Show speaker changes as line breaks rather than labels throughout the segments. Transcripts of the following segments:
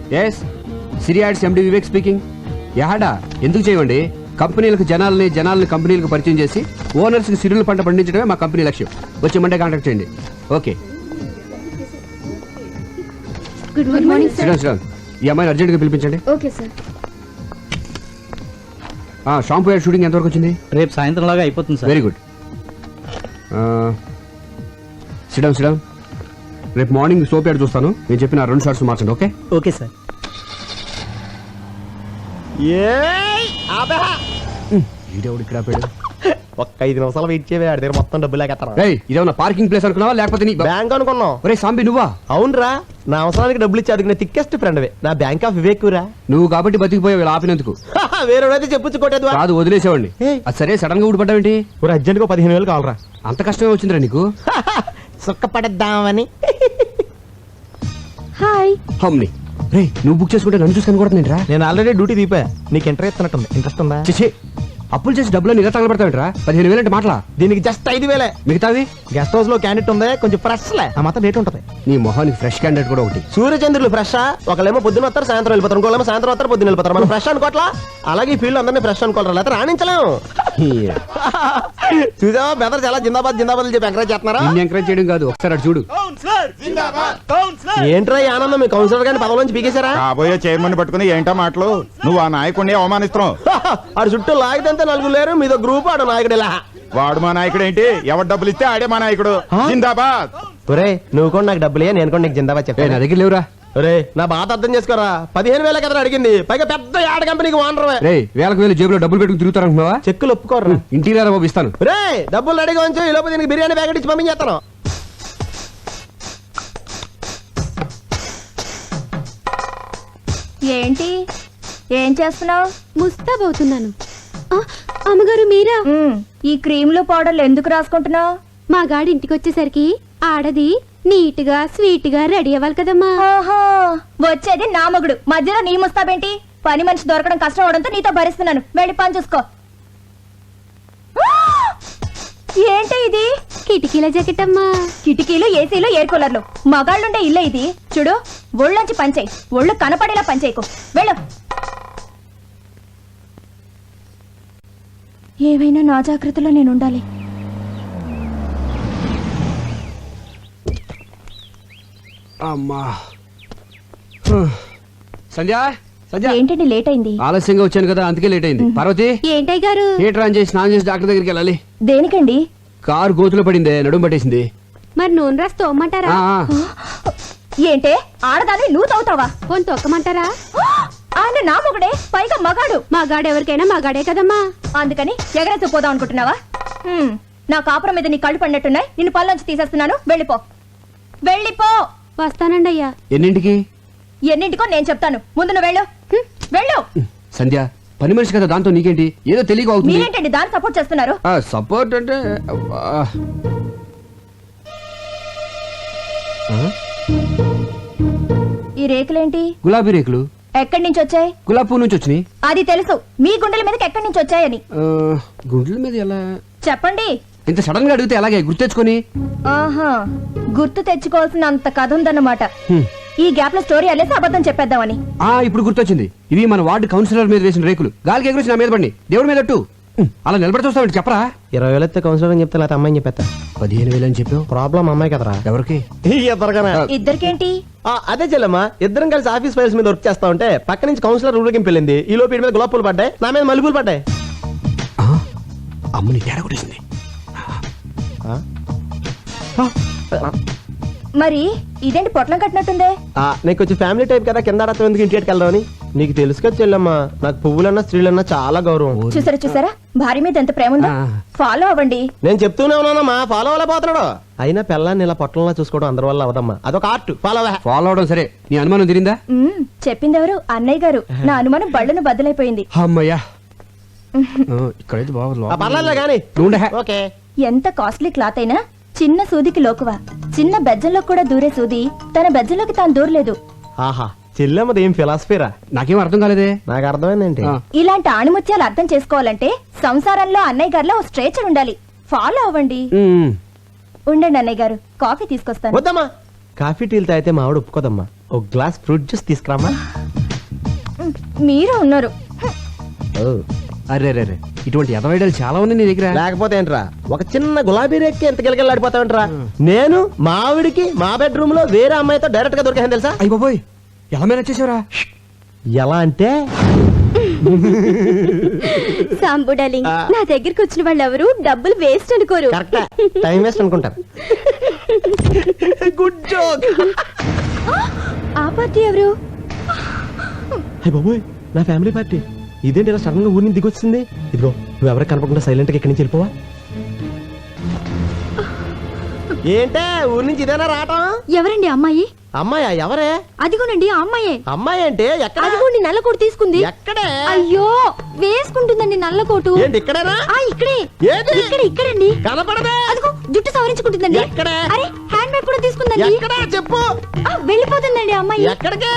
Yes సిరియాడ్స్ MD Vivek speaking. యాడా ఎందుకు చేయమండి? కంపెనీలకు జనాలని కంపెనీలకు పరిచయం చేసి ఓనర్స్కి సిరుల పంట పండించడమే మా కంపెనీ లక్ష్యం. వచ్చి మండే కాంటాక్ట్ చేయండి. Okay.
Good morning sir.
Sriram ఈ అమ్మాయిని అర్జెంట్గా పిలిపించండి.
Okay sir.
Shampoo ad shooting ఎంతవరకు వచ్చింది?
రేపు సాయంత్రం లాగా అయిపోతుంది సార్.
Very good. శ్రీరామ్ రేపు మార్నింగ్ సోప్ యాడ్ చూస్తాను. నేను చెప్పిన 2 షార్ట్స్ మార్చండి. Okay
okay sir.
ఈడెవడు ఇక్కడ ఆపాడు?
ఒక్క 5 నిమిషాలు వెయిట్ చేయవే, ఆడి దగ్గర మొత్తం డబ్బులు లేకెత్తాను.
ఇదేమన్నా పార్కింగ్ ప్లేస్ అనుకున్నావా లేకపోతే నీ
బ్యాంక్ అనుకున్నాం.
ఒరే సాంబి నువ్వా?
అవునరా, నా అవసరానికి డబ్బులు ఇచ్చి అదిగిన థిక్కెస్ట్ ఫ్రెండ్ నా బ్యాంక్ ఆఫ్ వివేక్ రా.
నువ్వు కాబట్టి బతికిపోయావు ఇలా ఆపినందుకు.
వేరేడైతే చెప్పుచ్చుకోటేది
కాదు వదిలేసేవాడిని. అది సరే సడన్ గా ఊడిపడ్డావేంటి?
ఒక అర్జెంట్ గా 15,000 కావాలరా.
అంత కష్టమే వచ్చిందిరా నీకు?
సుఖపడద్దామని.
హాయ్.
హమ్ని రే నువ్వు బుక్ చేసుకుంటే నన్ను చూసుకొని కూడా నేను రా.
నేను ఆల్రెడీ డ్యూటీ దీపా. నీకు ఇంటర్ ఇస్తున్నట్టుంది. ఇంట్రెస్ట్ ఉందా?
చేసి అప్పులు చేసి డబ్బులు ఇలా తగలబెడతావేంట్రా? 15,000 అంటే మాటలా?
దీనికి జస్ట్ 5,000.
మిగతావి
గెస్ట్ హౌస్ లో క్యాండిడేట్ ఉంది, కొంచెం ఫ్రెష్ లే, ఆ మాత్రం రేట్ ఉంటుంది.
నీ మొహానికి ఫ్రెష్ క్యాండిడేట్ కూడా ఒకటి.
సూర్యచంద్రులు ఫ్రెష్. ఒకళ్ళేమో పొద్దున వస్తారు, సాయంత్రం వెళ్ళిపోతారు. ఇంకోళ్ళేమో సాయంత్రం వస్తారు, పొద్దున వెళ్ళిపోతారు. మనం ఫ్రెష్ అనుకోవట్లా? అలాగే ఈ ఫీల్డ్ అందరినీ ఫ్రెష్ అనుకోవాలి, లేకపోతే రాణించలేము. చూసావా బెదర్ చాలా జిందాబాద్ జిందాబాద్ చెప్పి ఎంకరేజ్ చేస్తున్నారా?
నిన్ను ఎంకరేజ్ చేయడం కాదు, ఒకసారి అటు చూడు.
ఏంట్రా ఈ ఆనందం? మీ కౌన్సిలర్ గారిని పదవిలోంచి పీకేశారా?
కాబోయే చైర్మన్ పట్టుకుని ఏంటో మాటలు? నువ్వు ఆ నాయకుడిని అవమానిస్తున్నావు.
ఆడు చుట్టూ లాగితే 4 లేరు, మీదో గ్రూప్. ఆడు నాయకుడు ఇలా.
వాడు మా నాయకుడు ఏంటి? ఎవరు డబ్బులు ఇస్తే ఆడే మా నాయకుడు. జిందాబాద్.
ఒరే నువ్వు కూడా నాకు డబ్బులే, నేను కూడా నీకు జిందాబాద్
నా
చెప్పాను.
దగ్గర లేవురా.
ఒరే నా బాధ అర్థం చేసుకోరా. 15,000 కదా అడిగింది, పైగా పెద్ద యాడ్ కంపెనీకి ఓనర్.
రే వేలకు వేలు జేబులో డబ్బులు పెట్టుకుని తిరుగుతారనుకున్నావా?
చెక్కులు ఒప్పుకోర్రా.
ఇంటికి బాబు ఇస్తాను.
రే డబ్బులు రెడీగా ఉంచు, ఈ లోపు దీనికి బిర్యానీ ప్యాకెట్ ఇచ్చి పంపించేస్తాను.
ఏంటి ఏం చేస్తున్నావు?
ముస్తాబవుతున్నాను. అమ్మగారు మీరా?
ఈ క్రీములు పౌడర్లు ఎందుకు రాసుకుంటున్నావు?
మా గాడి ఇంటికి వచ్చేసరికి ఆడది నీట్ గా స్వీట్ గా రెడీ అవ్వాలి కదమ్మా.
ఆహా, వచ్చేది నా మగుడు, మధ్యలో నీ ముస్తాబేంటి? పని మనిషి దొరకడం కష్టం అవడంతో నీతో భరిస్తున్నాను. వెళ్ళి పని చూసుకో. ఏంటి ఇది?
కిటికీల జాకెట్ అమ్మా.
కిటికీలు, ఏసీలు, ఎయిర్ కూలర్లు, మగాళ్ళుండే ఇల్లే ఇది. చూడు, ఒళ్ళొంచి పనిచేయి, ఒళ్ళు కనపడేలా పనిచేయకు. వెళ్ళు. ఏవైనా నా జాగ్రత్తలో నేను ఉండాలి.
అమ్మా సంధ్య సంధ్య
ఏంటండి లేట్ అయింది?
ఆలస్యంగా వచ్చాను కదా అందుకే లేట్ అయింది. పార్వతి
ఏంటయ్య గారు?
హీటర్ ఆన్ చేసి స్నానం చేసి డాక్టర్ దగ్గరికి వెళ్ళాలి.
దేనికండి?
కారు గోతులో పడిందే, నడుము పట్టేసింది.
మరి నూనె రాసి తోమ్మంటారా?
ఏంటే ఆడదాన్ని నువ్వు తవ్వుతావా?
పోని తొక్కమంటారా?
ఆయన నా మొగుడే, పైగా మగాడు.
మా గాడు ఎవరికైనా మా గాడే కదమ్మా.
అందుకని ఎగరేసి పోదాం అనుకుంటున్నావా? నా కాపురం మీద నీ కళ్ళు పడినట్టున్నాయి. నిన్ను పళ్ళొంచి తీసేస్తున్నాను. వెళ్ళిపో, వెళ్ళిపో.
వస్తానండి అయ్యా.
ఎన్నింటికి?
ఎన్నింటికో నేను చెప్తాను. ముందు నువ్వు వెళ్ళు. వెళ్ళు.
సంధ్య పని మనిషి కదా, దాంతో నీకేంటి? ఏదో తెలియక అవుతుంది.
మీరేంటండి దాన్ని సపోర్ట్ చేస్తున్నారు?
సపోర్ట్ అంటే
ఈ రేకులేంటి?
గులాబీ రేకులు.
ఎక్కడి నుంచి వచ్చాయి?
గులాబీ పువ్వు నుంచి వచ్చినాయి.
అది తెలుసు, మీ గుండెల మీదకి ఎక్కడి నుంచి వచ్చాయని.
గుండెల మీద ఎలా?
చెప్పండి.
ఇంత సడన్ గా అడిగితే ఎలాగే గుర్తెచ్చుకొని?
ఆహా, గుర్తు తెచ్చుకోవాల్సిన అంత కథ ఉందన్నమాట. ఈ గ్యాప్ లో స్టోరీ అల్లేసి అబద్ధం చెప్పేద్దామని.
ఇప్పుడు గుర్తొచ్చింది. ఇవి మన వార్డు కౌన్సిలర్ మీద వేసిన రేకులు. గాలికి ఎగురేసి నా మీద పడి దేవుడి మీద అలా నిలబడి చూస్తామంటే చెప్పరా?
20,000 అయితే కౌన్సిలర్ అని చెప్తే, లేకపోతే అమ్మాయిని చెప్పేస్తా.
15,000 అని చెప్పావు.
ప్రాబ్లం అమ్మాయి కదరా.
ఎవరికి?
ఇద్దరికేంటి?
అదే చెల్లమ్మా, ఇద్దరం కలిసి ఆఫీస్ ఫైల్స్ మీద వర్క్ చేస్తా ఉంటే పక్క నుంచి కౌన్సిలర్ ఊరికి వెళ్ళింది. ఈ లోపు మీద గులాబ్ పూలు పడ్డాయి, నా మీద మల్లెపూలు పడ్డాయి.
అమ్మని తేడా కొట్టేసింది.
మరి ఇదేంటి పొట్లం కట్టినట్టుందే?
నీకు వచ్చి ఫ్యామిలీ టైప్ కదా, కింద ఎందుకు ఇంటికి వెళ్దామని. నీకు తెలుసు కదా చెల్లమ్మా, నాకు పువ్వులన్నా స్త్రీలన్నా చాలా గౌరవం.
చూసారా భార్య మీద ఎంత ప్రేమ ఉందో. ఫాలో అవ్వండి.
నేను చెప్తూనే ఉన్నానమ్మా, ఫాలో అవ్వలేకపోతున్నాడు. అయినా పిల్లాన్ని ఇలా పొట్టంలా చూసుకోవడం అందరి వల్ల అవదమ్మా, అదొక ఆర్ట్.
ఫాలో అవడం సరే, నీ అనుమానం తిరిందా?
చెప్పిందెవరు? అన్నయ్య గారు. నా అనుమానం బళ్ళను బద్దలైపోయింది.
అమ్మయ్యా, ఇక్కడైతే
పర్లేదు కానీ. ఓకే.
ఎంత కాస్ట్లీ క్లాత్ అయినా చిన్న సూదికి లోకువా. చిన్న బెజ్జంలో కూడా దూరే సూది తన బెజ్జంలోకి తాను దూరలేదు.
ఆహా, చెల్లెమ్మది ఏం ఫిలాసఫీరా?
నాకేం అర్థం కాలేదే.
నాకు అర్థమైందేంటి?
ఇలాంటి ఆణిముత్యాలు అర్థం చేసుకోవాలంటే సంసారంలో అన్నయ్య గారిలో ఓ స్ట్రేచర్ ఉండాలి. ఫాలో అవ్వండి.
ఉమ్.
ఉండండి అన్నయ్య గారు, కాఫీ తీసుకొస్తాను.
వద్దమ్మా, కాఫీ టీలు తాగితే మా ఆవిడ ఒప్పుకోదమ్మా. ఒక గ్లాస్ ఫ్రూట్ జ్యూస్ తీసుకురామా.
మీరే ఉన్నారు.
అరే రే రే ఇటువంటి ఎదవైడలు చాలా ఉన్నాయి నీ దగ్గర.
లేకపోతే ఏంట్రా, ఒక చిన్న గులాబీ రేక్కి ఎంత గిలగిలాడిపోతావంట్రా. నేను మా ఆవిడికి మా బెడ్రూమ్ లో వేరే అమ్మాయితో డైరెక్ట్ గా దొరికాను తెలుసా.
అయ్య బాబోయ్ ఎలా మేనేజ్ చేసావురా?
ఎలా అంటే
సాంబు డార్లింగ్, నా దగ్గరికి వచ్చిన వాళ్ళు ఎవరు డబ్బులు వేస్ట్ అనుకోరు.
కరెక్ట్, టైం వేస్ట్ అనుకుంటారు. Good joke.
ఆ పార్టీ ఎవరు?
అయ్య బాబోయ్, నా ఫ్యామిలీ పార్టీ. ఇదేంటి ఇలా సడన్ గా ఊరి నుంచి దిగొచ్చింది. ఇదిగో నువ్వు ఎవరికి కనపడకుండా సైలెంట్ గా ఇక్కడి నుంచి వెళ్ళిపోవా. ఏంటే ఊరి నుంచి ఇదేనా రావటం?
ఎవరండి అమ్మాయి?
అమ్మాయా? ఎవరే?
అదిగోనండి ఆ అమ్మాయే.
అమ్మాయి అంటే ఎక్కడ?
అదిగోండి నల్ల కోటు తీసుకుంది.
ఎక్కడే?
అయ్యో వేసుకుంటుందండి నల్ల కోటు.
ఏంటి ఇక్కడేనా?
ఆ ఇక్కడే.
ఏది?
ఇక్కడండి.
కనపడదే.
అదిగో జుట్టు సవరించుకుంటుందండి.
ఎక్కడే?
అరే హ్యాండ్ బ్యాగ్ కూడా తీసుకుందండి.
ఎక్కడా చెప్పు.
వెళ్ళిపోతుందండి ఆ అమ్మాయి.
ఎక్కడికి?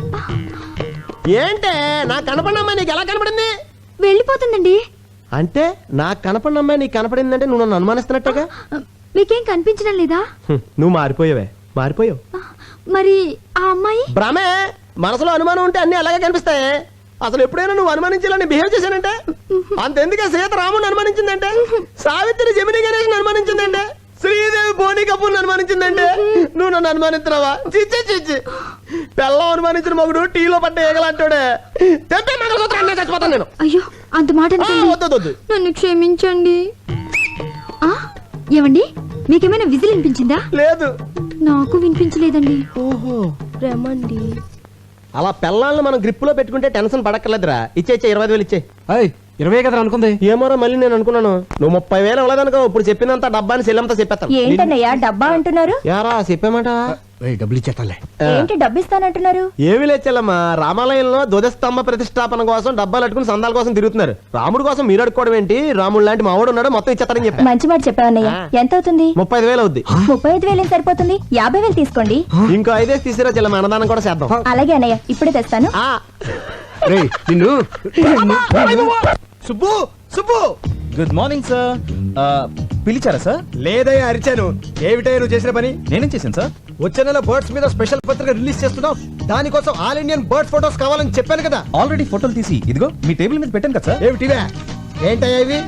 ఏంటే నాకు కనపడిన అమ్మాయి నీకు ఎలా కనపడింది?
వెళ్ళిపోతుందండి.
అంటే నాకు కనపడిన అమ్మాయి నీకు కనపడిందంటే నువ్వు నన్ను అనుమానిస్తున్నట్టుగా.
మీకేం కనిపించడం లేదా?
నువ్వు మారిపోయావే, మారిపోయావు.
మరి ఆ అమ్మాయి?
భ్రమే. మనసులో అనుమానం ఉంటే అన్ని అలాగే కనిపిస్తాయి. అసలు ఎప్పుడైనా నువ్వు అనుమానించాలని బిహేవ్ చేశానంటే అంతెందుకే సీత రాముని అనుమానించిందంటే, సావిత్రి జమిని గణేష్ అనుమానించిందంటే, శ్రీదేవి బోని కపూర్ అనుమానించిందంటే నువ్వు నన్ను అనుమానిస్తున్నావా? చిచ్చి చిచ్చి, పెళ్ళం అనుమానించిన మగుడు టీలో పడ్డ ఏగలంటాడే. తెప్పే మంగళసూత్రం చచ్చిపోతాను నేను.
అయ్యో అంత మాట అనకండి.
వద్దు.
నన్ను క్షమించండి. ఆ ఏమండి మీకేమైనా విజిల్ వినిపించిందా?
లేదు.
నాకు వినిపించలేదండి.
ఓహో,
రమండి.
అలా పెళ్ళాలను మనం గ్రిప్ లో పెట్టుకుంటే టెన్షన్ పడక్కర్లేదురా. ఇచ్చే 25,000 ఇచ్చే.
అయ్ 20 కదా అనుకుంది.
ఏమోరా మళ్ళీ నేను అనుకున్నాను నువ్వు 30,000 ఇవ్వలేదనుకో. ఇప్పుడు చెప్పినంత డబ్బాని సెల్లంతా చెప్పేస్తాను.
ఏంటన్నయ్యా డబ్బా అంటున్నారు?
యారా చెప్పామాట.
డబ్బులు ఇచ్చేస్తాలే.
ఏంటి డబ్బు ఇస్తానంటున్నారు?
ఏమి లేచెల్లమ్మా, రామాలయంలో ధ్వజస్తంభ ప్రతిష్టాపన కోసం డబ్బాలు అట్టుకుని సందాల కోసం తిరుగుతున్నారు. రాముడు కోసం మీరు అడుకోవడం ఏంటి? రాముడు లాంటి మావాడు ఉన్నాడు, మొత్తం ఇచ్చేస్తారని చెప్పా.
మంచి మాట చెప్పావన్నయ్య. ఎంత అవుతుంది?
35,000 అవుద్ది.
35,000 ఏం సరిపోతుంది? 50,000 తీసుకోండి.
ఇంకో 5 తీసిరా చెల్లమ్మ, అన్నదానం కూడా చేద్దాం.
అలాగే అన్నయ్య, ఇప్పుడే తెస్తాను.
ఆ.
రేయ్ నిన్ను
Subbu Subbu
good morning sir. పిలిచారా సార్?
లేదయ్యా అరిచాను. ఏమిటయ్యా నువ్వు చేసిన పని?
నేనేం చేశాను సార్?
వచ్చే నెల బర్డ్స్ మీద స్పెషల్ పత్రిక రిలీజ్ చేస్తున్నావు. దానికోసం ఆల్ ఇండియన్ బర్డ్ ఫోటోస్ కావాలని చెప్పాను కదా.
ఆల్రెడీ ఫోటోలు తీసి ఇదిగో మీ టేబుల్ మీద పెట్టాను కదా సార్.
ఏమిటివే? ఏంటయ్యా ఇవి?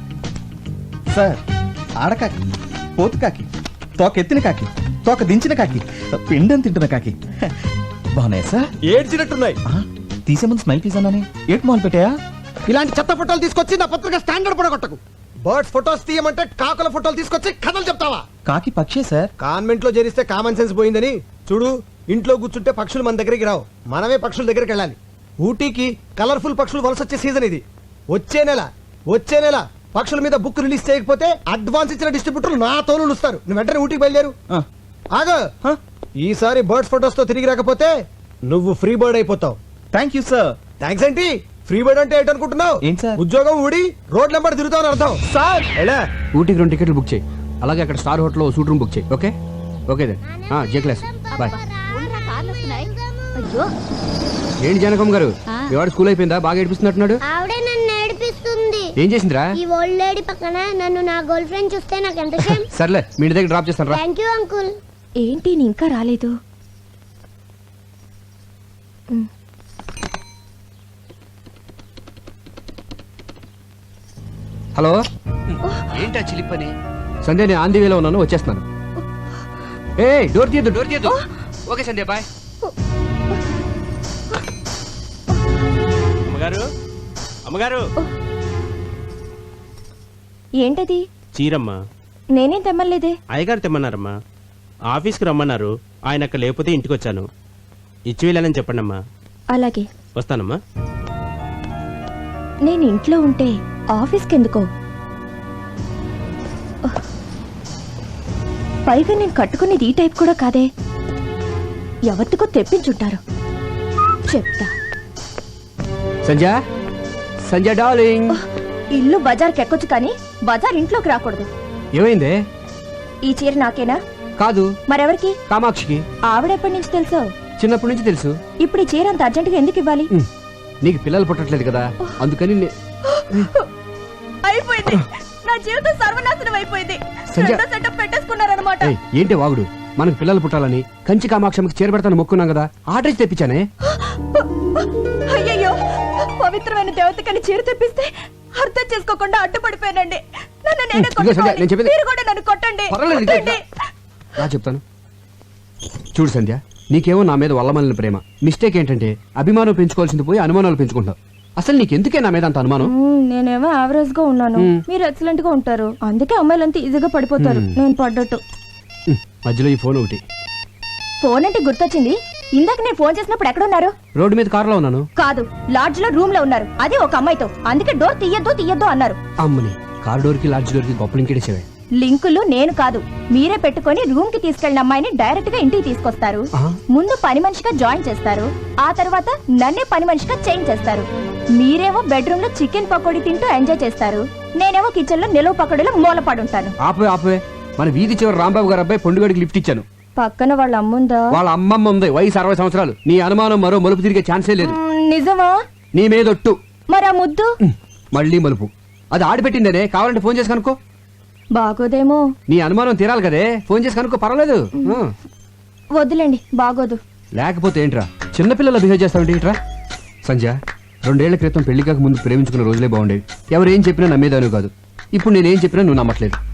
సార్ ఆడకాకి, పోతు కాకి, తోక ఎత్తిన కాకి, తోక దించిన కాకి, పిండం తింటున్న కాకి బాగున్నాయి సార్.
ఏడ్చినట్టున్నాయి.
తీసే ముందు స్మైల్ ప్లీజ్ అన్నానే. ఏట్ మాల్ పెట్టాయా?
ఇలాంటి చెత్త ఫోటోలు తీసుకొచ్చి నా పత్రిక స్టాండర్డ్ పడగొట్టకు. బర్డ్స్ ఫోటోస్ తీయమంటే కాకుల ఫోటోలు తీసుకొచ్చి కథలు చెప్తావా?
కాకి పక్షే సార్.
కాన్వెంట్ లో చేరిస్తే కామన్ సెన్స్ పోయిందని చూడు. ఇంట్లో కూర్చుంటే పక్షులు మన దగ్గరికి రావు, మనమే పక్షుల దగ్గరికి వెళ్ళాలి. ఊటీకి కలర్ఫుల్ పక్షులు వలస వచ్చే సీజన్ ఇది. వచ్చే నెల పక్షుల మీద బుక్ రిలీజ్ చేయకపోతే అడ్వాన్స్ ఇచ్చిన డిస్ట్రిబ్యూటర్లు నా తోలు ఇస్తారు. నువ్వు వెంటనే ఊటీకి బయలుదేరు. ఆగ, ఈసారి బర్డ్స్ ఫోటోస్ తో తిరిగి రాకపోతే నువ్వు ఫ్రీ బర్డ్ అయిపోతావు.
Thank you sir.
థ్యాంక్స్ ఏంటి? ఫ్రీ బర్డ్ అంటే ఏంటనుకుంటున్నావు?
ఏంటి సార్?
ఉద్యోగం ఊడి రోడ్ నెంబర్ తిరుగుతావు అని అర్థం.
సార్
ఎలా?
ఊటీకి 2 టికెట్లు బుక్ చేయి. అలాగే అక్కడ స్టార్ హోటల్లో సూట్ రూమ్ బుక్ చేయి. Okay okay then. J class boy.
అయ్యో
ఏంటి జానకమ్మ గారు, మీ వాడు స్కూల్ అయిపోయిందా? బాగా ఏడిపిస్తున్నట్టున్నాడు.
ఆవిడే నన్ను ఏడిపిస్తుంది.
ఏం చేసిందిరా?
ఈ ఓల్డ్ లేడీ పక్కన నన్ను నా గర్ల్ ఫ్రెండ్ చూస్తే నాకు ఎంత షేమ్.
సర్లే మీ ఇంటి దగ్గర డ్రాప్ చేస్తాను రా.
Thank you uncle.
ఏంటి నీ ఇంకా రాలేదు?
హలో ఏంటా చిలిపని? సంధ్య నేను ఆంధీ వేలో ఉన్నాను, వచ్చేస్తున్నాను. ఏ డోర్ తీయద్దు. Okay Sandhya bye.
అమ్మగారు
ఏంటది?
చీరమ్మ.
నేనేం తెమ్మలేదే.
అయ్యగారు తెమ్మన్నారమ్మా. ఆఫీస్కి రమ్మన్నారు. ఆయన అక్కడ లేకపోతే ఇంటికి వచ్చాను. ఇచ్చి వెళ్ళానని చెప్పండి అమ్మా.
అలాగే
వస్తానమ్మా.
నేను ఇంట్లో ఉంటే ఆఫీస్కి ఎందుకో? పైగా నేను కట్టుకునేది ఈ టైప్ కూడా కాదే. ఎవరికో తెప్పించుంటారు. చెప్తా.
సంధ్య డార్లింగ్.
ఇల్లు బజార్కి ఎక్కొచ్చు కానీ బజార్ ఇంట్లోకి రాకూడదు.
ఏమైందే?
ఈ చీర నాకేనా?
కాదు,
మరెవరికి?
కామాక్షికి.
ఆవిడెప్పటి నుంచి తెలుసో?
చిన్నప్పటి నుంచి తెలుసు.
ఇప్పుడు ఈ చీర అంత అర్జెంటుగా ఎందుకు ఇవ్వాలి?
నీకు పిల్లలు పుట్టట్లేదు కదా, అందుకని
అయిపోయింది. నా జీవితం సర్వనాశనం అయిపోయింది.
సంధ్య.
సెటప్ పెట్టేసుకున్నారన్నమాట.
ఏంటి వాగుడు? మనకు పిల్లలు పుట్టాలని కంచి కామాక్షమికి చేరబెడతాను మొక్కున్నాం కదా ఆర్డర్ ఇచ్చి తెప్పించానే.
అయ్యయ్యో పవిత్రమైన దేవతకని చీర తెప్పిస్తే అర్థం చేసుకోకుండా అడ్డుపడిపోయానండి. నన్ను నేనే
ఇదిగో సంధ్య,
కొట్టుకోవాలి.
నేను చెప్పేది-
మీరు కూడా నన్ను కొట్టండి.
పర్వాలేదు, ఇదిగో
కొట్టండి.
రా చెప్తాను. చూడు సంధ్య, నీకేమో నా మీద వల్లమల్లిన ప్రేమ. మిస్టేక్ ఏంటంటే అభిమానం పెంచుకోవాల్సింది పోయి అనుమానాలు పెంచుకుంటావు. అసలు నీకెందుకే నా మీద అంత అనుమానం?
నేనేమో యావరేజ్ గా ఉన్నాను, మీరు ఎక్సలెంట్ గా ఉంటారు. అందుకే అమ్మాయిలంతా ఈజీగా పడిపోతారు. నేను పడ్డట్టు.
మధ్యలో ఈ ఫోన్ ఒకటి.
ఫోన్ అంటే గుర్తొచ్చింది. ఇందాక నేను ఫోన్ చేసినప్పుడు ఎక్కడ ఉన్నారు?
రోడ్డు మీద కారులో ఉన్నాను.
కాదు, లాడ్జ్ లో రూమ్ లో ఉన్నారు. అది ఒక అమ్మాయితో. అందుకే డోర్ తీయద్దు అన్నారు.
అమ్మని కార్ డోర్ కి లాడ్జ్ డోర్ కి గొప్ప లింకేసేవే.
లింకులు నేను కాదు, మీరే పెట్టుకొని రూమ్ కి తీసుకెళ్లిన అమ్మాయిని డైరెక్ట్ గా ఇంటికి తీసుకొస్తారు. ముందు పని మనిషిగా జాయిన్ చేస్తారు. ఆ తర్వాత నన్నే పని మనిషిగా చేంజ్ చేస్తారు. మీరేమో బెడ్రూమ్ లో చికెన్ పకోడీ తింటూ ఎంజాయ్ చేస్తారు. నేనేమో కిచెన్ లో నిలువ పకోడీలో మూలపడుంటాను.
ఆపే మన వీధి చివరి రాంబాబు గారు అబ్బాయి పొండుగడికి లిఫ్ట్ ఇచ్చాను.
పక్కన వాళ్ళ అమ్ముందా?
వాళ్ళ అమ్మమ్మ ఉంది, వయసు 60 సంవత్సరాలు. నీ అనుమానం మరో మలుపు తిరిగే ఛాన్సే లేదు.
నిజమా?
నీ మీదొట్టు.
మరి ఆ ముద్దు
మళ్ళీ మలుపు. అది ఆడిపెట్టిందనే, కావాలంటే ఫోన్ చేసి కనుక్కో.
బాగోదేమో.
నీ అనుమానం తీరాలి కదే, ఫోన్ చేసి కనుక్కో, పర్వాలేదు.
వద్దులేండి, బాగోదు.
లేకపోతే ఏంట్రా చిన్నపిల్లలు బిహేవ్ చేస్తావంటే ఏంట్రా? సంధ్య, 2 ఏళ్ల క్రితం పెళ్లి కాక ముందు ప్రేమించుకున్న రోజులే బాగుండేవి. ఎవరేం చెప్పినా నమ్మేదాను కాదు. ఇప్పుడు నేనేం చెప్పినా నువ్వు నమ్మట్లేదు.